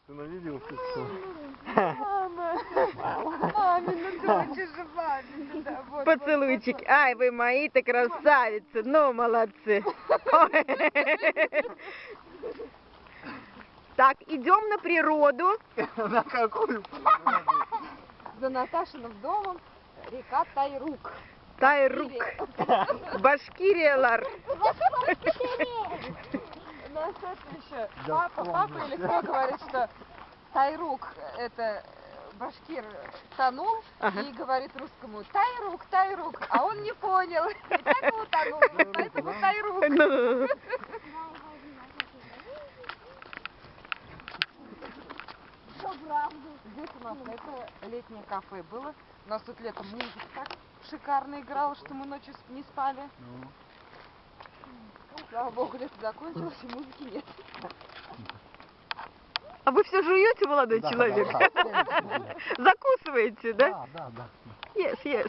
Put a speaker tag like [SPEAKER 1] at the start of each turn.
[SPEAKER 1] Ты на видео все.
[SPEAKER 2] Мамина дочь же, мамина, да.
[SPEAKER 3] Поцелуйчик. Ай, вы мои-то красавицы. Ну, молодцы. Ой. Так, идем на природу.
[SPEAKER 1] На какую?
[SPEAKER 2] За Наташиным домом река Тайрук.
[SPEAKER 3] Тайрук. Башкириялар.
[SPEAKER 2] У нас это еще папа или кто говорит, что Тайрук это башкир тонул и говорит русскому Тайрук, Тайрук, а он не понял. И так утонул, поэтому Тайрук.
[SPEAKER 3] Ну.
[SPEAKER 2] Здесь у нас это летнее кафе было. У нас тут летом музыка так шикарно играла, что мы ночью не спали. Слава богу, лето закончилось и музыки нет.
[SPEAKER 3] А вы все жуете, молодой
[SPEAKER 1] Да,
[SPEAKER 3] человек?
[SPEAKER 1] да, да.
[SPEAKER 3] Закусываете, да?
[SPEAKER 1] Да.
[SPEAKER 3] Yes, yes.